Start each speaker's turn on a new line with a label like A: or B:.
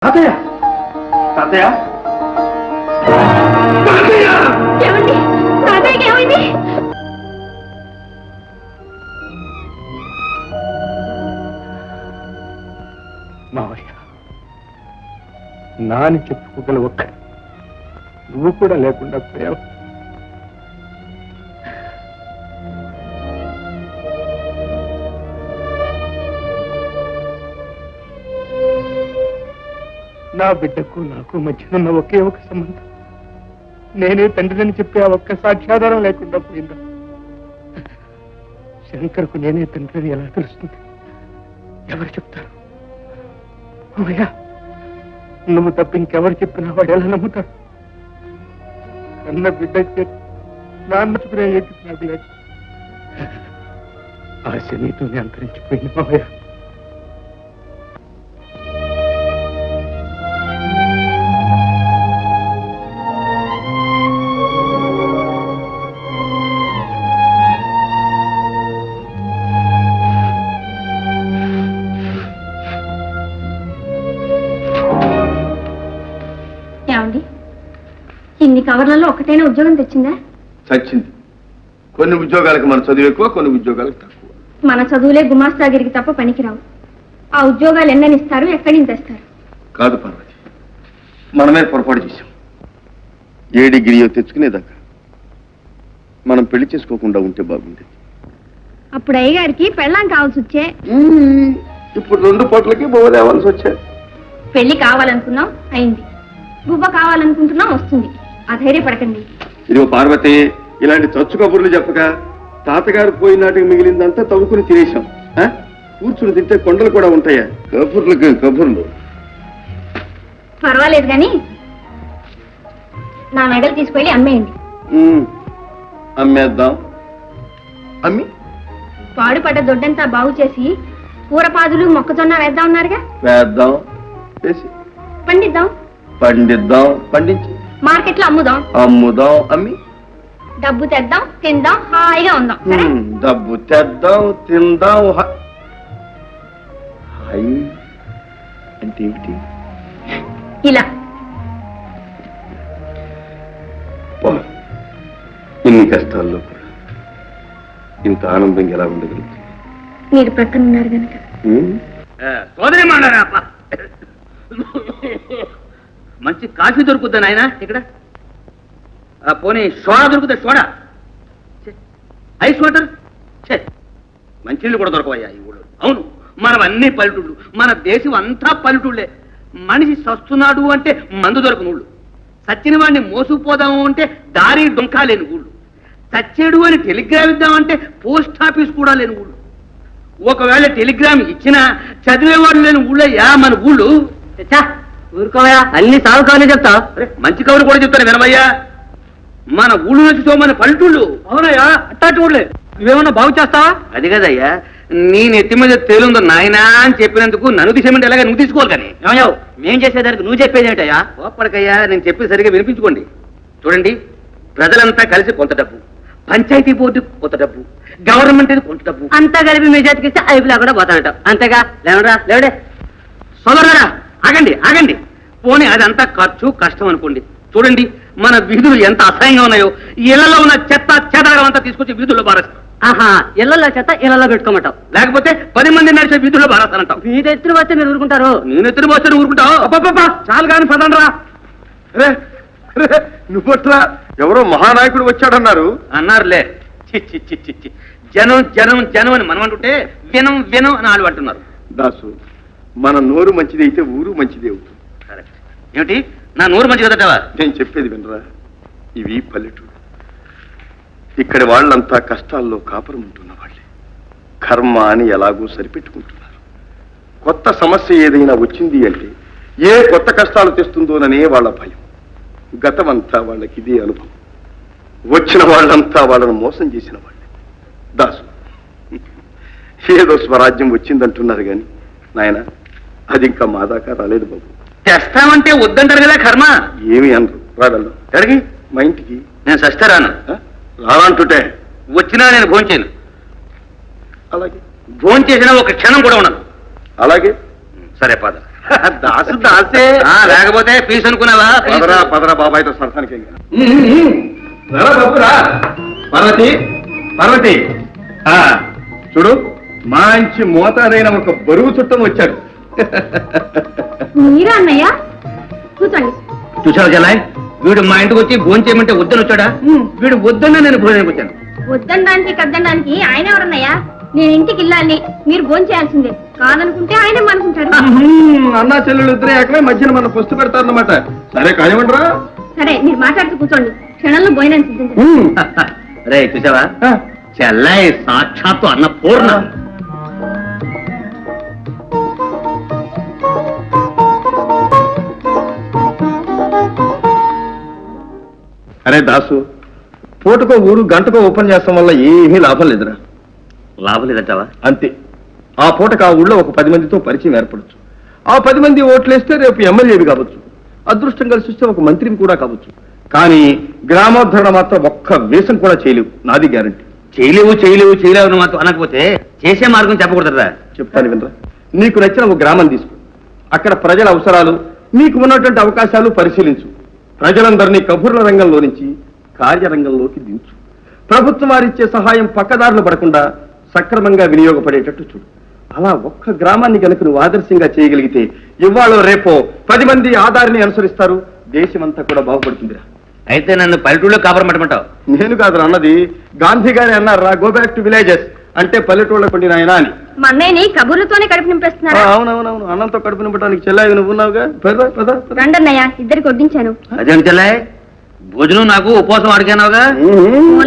A: తాతయ్య తాతయ్య
B: ఏమండి తాతయ్యకి ఏమైంది?
A: మావయ్య నాని చెప్పుకోగల ఒక్క నువ్వు కూడా లేకుండా పోయావు. నా బిడ్డకు నాకు మధ్యనున్న ఒకే ఒక సంబంధం నేనే తండ్రిని చెప్పే ఆ ఒక్క సాక్ష్యాధారం లేకుండా పోయిందా? శంకర్కు నేనే తండ్రిని ఎలా తెలుస్తుంది? ఎవరు చెప్తారు? అమ్మయ్యా, నువ్వు తప్ప ఇంకెవరు చెప్పినా వాడు ఎలా నమ్ముతాడు? కన్న బిడ్డ నాన్న చుకునే నాకు లేదు. ఆశ నీతోనే అంతరించిపోయింది మావయ్య.
B: ఇన్ని కవర్లలో ఒకటైనా ఉద్యోగం తెచ్చిందా?
C: చచ్చింది. కొన్ని ఉద్యోగాలకు మన చదువు ఎక్కువ, కొన్ని ఉద్యోగాలకు తక్కువ.
B: మన చదువులే గుమాస్తాగిరికి తప్ప పనికిరావు. ఆ ఉద్యోగాలు ఎన్నని ఇస్తారు, ఎక్కడి నుంచి తెస్తారు?
C: కాదు పార్వతి, మనమే పొరపాటు చేశాం. ఏ డిగ్రీయో తెచ్చుకునేదాకా మనం పెళ్లి చేసుకోకుండా ఉంటే బాగుండేది.
B: అప్పుడు అయ్యగారికి పెళ్ళాం కావాల్సి వచ్చే.
C: ఇప్పుడు 2 పూటలకి బొవ్వ తేవాల్సి వచ్చాయి.
B: పెళ్లి కావాలనుకున్నాం, అయింది. బువ్వ కావాలనుకుంటున్నాం, వస్తుంది. అధైర్యపడకండి.
C: ఇదిగో పార్వతి, ఇలాంటి చచ్చు కబుర్లు చెప్పక తాతగారు పోయినాటికి మిగిలిందంతా తవ్వుకుని తినేశాం. కూర్చుని తింటే కొండలు కూడా ఉంటాయా? కబుర్లు
B: పర్వాలేదు కానీ నా మెడలు తీసుకెళ్ళి అమ్మేయండి.
C: అమ్మేద్దాం. అమ్మి
B: పాడుపడ్డ దొడ్డంతా బాగు చేసి కూరపాదులు మొక్కజొన్న వేద్దాం ఉన్నారుగా.
C: వేద్దాం, వేసి పండిద్దాం, పండించి
B: మార్కెట్లో
C: అమ్ముదాం, అమ్మి
B: డబ్బు తెద్దాం, తిందాం, హాయిగా ఉందాం.
C: డబ్బు తెద్దాం, తిందాం. అంటే ఏమిటి?
B: ఇలా
C: ఇన్ని కష్టాల్లో కూడా ఇంత ఆనందంగా ఎలా ఉండగలుగుతుంది?
B: మీరు ప్రక్కన ఉన్నారు కనుక.
D: సోదరి మంచి కాఫీ దొరుకుద్దా నాయన ఇక్కడ? పోనీ సోడా దొరుకుతా? సోడా, ఐస్ వాటర్, మంచినీళ్ళు కూడా దొరకవయ్యా ఈ ఊళ్ళో. అవును, మనం అన్ని పల్లెటూళ్ళు, మన దేశం అంతా పల్లెటూళ్ళే. మనిషి సస్తున్నాడు అంటే మందు దొరకని ఊళ్ళు, సచ్చిన వాడిని మోసుకుపోదాము అంటే దారి డొంకా లేని ఊళ్ళు, చచ్చేడు అని టెలిగ్రామ్ ఇద్దామంటే పోస్ట్ ఆఫీస్ కూడా లేని ఊళ్ళు. ఒకవేళ టెలిగ్రామ్ ఇచ్చినా చదివేవాడు లేని ఊళ్ళయ్యా మన ఊళ్ళు. ఊరుకోవయా, అన్ని సాగు కవర్లు చెప్తావు. మంచి కవులు కూడా చెప్తాను వినవయ్యా. మన ఊళ్ళు నుంచి మన పల్లెటూళ్ళు. అవునయ్యా, అట్టాటి ఊళ్ళే. నువ్వేమన్నా బాగు చేస్తావా? అది కదయ్యా, నీ నెత్తి మీద తేలుందో నాయనా అని చెప్పినందుకు నన్ను తీసేమంటే ఎలాగా నువ్వు తీసుకోవాలి. కానీ ఏమయ్యావు, మేం చేసేదానికి నువ్వు చెప్పేది ఏంటయ్యా? ఓపడకయ్యా, నేను చెప్పేది సరిగా వినిపించుకోండి. చూడండి, ప్రజలంతా కలిసి కొంత డబ్బు, పంచాయతీ బోర్డు కొంత డబ్బు, గవర్నమెంట్ కొంత డబ్బు, అంతా కలిపి మీ జాతికిస్తే అయిపోలా కూడా పోతానట. అంతేగా? లేవరా లేవడే సోదరులారా, ఆగండి. పోనీ అదంతా ఖర్చు కష్టం అనుకోండి. చూడండి, మన వీధులు ఎంత అసహ్యంగా ఉన్నాయో. ఇళ్లలో ఉన్న చెత్త చెదారం అంతా తీసుకొచ్చి వీధుల్లో బారేస్తాం. ఇళ్లలో చెత్త ఇళ్లలో పెట్టుకోమంటావు, లేకపోతే 10 మంది నడిచే వీధుల్లో బారేస్తానంటావు. మీ ఎత్తున వస్తే మీరు ఊరుకుంటారు? నేను ఎత్తున వస్తే ఊరుకుంటావు? అబ్బా చాలు కానీ పదండ్రా.
C: నువ్వట్లా ఎవరో మహానాయకుడు వచ్చాడన్నారు.
D: అన్నారులే. చి జనం అని మనం అంటుంటే వినం అని వాళ్ళు అంటున్నారు.
C: దాసు, మన నోరు మంచిది అయితే ఊరు మంచిది అవుతుంది.
D: కరెక్ట్. ఏమిటి నా నోరు మంచి కదటవా?
C: నేను చెప్పేది వినరా, ఇవి పల్లెటూరు. ఇక్కడి వాళ్ళంతా కష్టాల్లో కాపురం ఉంటున్న వాళ్ళే. కర్మ అని ఎలాగో సరిపెట్టుకుంటున్నారు. కొత్త సమస్య ఏదైనా వచ్చింది అంటే ఏ కొత్త కష్టాలు తెస్తుందోననే వాళ్ళ భయం. గతమంతా వాళ్ళకి ఇదే అనుభవం. వచ్చిన వాళ్ళంతా వాళ్ళను మోసం చేసిన వాళ్ళే. దాసు, ఏదో స్వరాజ్యం వచ్చిందంటున్నారు కానీ నాయన, అది ఇంకా మా దాకా రాలేదు బాబు.
D: తెస్తామంటే వద్దంటారు కదా కర్మ.
C: ఏమి అనరు. రాగలరు ఎక్కడికి? మా ఇంటికి.
D: నేను సస్తే రాను.
C: రానంటుంటే
D: వచ్చినా నేను భోంచేయను.
C: అలాగే.
D: భోంచేసినా ఒక క్షణం కూడా ఉండను.
C: అలాగే.
D: సరే పద.
C: దాసు దాసే.
D: లేకపోతే పీస్ అనుకున్నావా?
C: పదరా పదరా బాబాయ్తో సరసానికి. పార్వతి పార్వతి, చూడు మంచి మోతాదైన ఒక బరువు చుట్టం వచ్చాడు.
B: మీరా అన్నయ్య? కూర్చోండి.
D: చూసావు జలాయ్, వీడు మా ఇంటికి వచ్చి భోజనం చేయమంటే వద్దని వచ్చాడా? వీడు వద్దన్నా నేను భోజనానికి వచ్చాను.
B: వద్దనడానికి కద్దనడానికి ఆయన ఎవరన్నయ్యా? నేను ఇంటికి వెళ్ళాలి, మీరు భోజనం చేయాల్సిందే. కాదనుకుంటే ఆయన అనుకుంటాడు.
C: అన్నా చెల్లెలు ఇద్దరే ఏకమే మధ్యన మన పుస్తు పెడతారన్నమాట. సరే కానివ్వండిరా.
B: సరే, మీరు మాట్లాడుతూ కూర్చోండి, క్షణంలో భోజనం సిద్ధించండి.
D: రే చూసావా, చెల్లాయి సాక్షాత్తు అన్న పూర్ణ.
C: అరే దాసు, పూటకో ఊరు గంటకో ఓపెన్ చేస్తాం వల్ల ఏమీ లాభం లేదురా.
D: లాభం లేదంటావా?
C: అంతే. ఆ పూటకు ఆ ఊళ్ళో ఒక 10 మందితో పరిచయం ఏర్పడచ్చు. ఆ 10 మంది ఓట్లేస్తే రేపు ఎమ్మెల్యేవి కావచ్చు, అదృష్టం కలిసి వస్తే ఒక మంత్రిని కూడా కావచ్చు. కానీ గ్రామోద్ధరణ మాత్రం ఒక్క వేషం కూడా చేయలేవు, నాది గ్యారంటీ.
D: చేయలేవు మాత్రం అనకపోతే చేసే మార్గం చెప్పకూడదురా.
C: చెప్తాను వినరా. నీకు నచ్చిన ఒక గ్రామం తీసుకో, అక్కడ ప్రజల అవసరాలు, నీకు ఉన్నటువంటి అవకాశాలు పరిశీలించు. ప్రజలందరినీ కబుర్ల రంగంలో నుంచి కార్యరంగంలోకి దించు. ప్రభుత్వం వారిచ్చే సహాయం పక్కదారులు పడకుండా సక్రమంగా వినియోగపడేటట్టు చూడు. అలా ఒక్క గ్రామాన్ని కనుక నువ్వు ఆదర్శంగా చేయగలిగితే ఇవాళ రేపో 10 మంది ఆధారిని అనుసరిస్తారు, దేశమంతా కూడా బాగుపడుతుందిరా.
D: అయితే నన్ను పల్లెటూళ్ళలో కాపురం పెట్టమంటావు?
C: నేను కాదు అన్నది, గాంధీ గారి అన్నారా, గో బ్యాక్ టు విలేజెస్ అంటే పల్లెటూళ్ళ పండిన ఆయన అని.
B: మా అన్నయ్యని కబుర్లతోనే కడుపు నింపేస్తున్నారా?
C: అవునవునవును, అన్నంతో కడుపు నింపడానికి చెల్లాయి నువ్వు ఉన్నావుగా. పద
B: రండన్నయ్య, ఇద్దరికి వడ్డించాను.
D: అదేం చెల్లాయి, భోజనం నాకు ఉపవాసం అడిగానావుగా.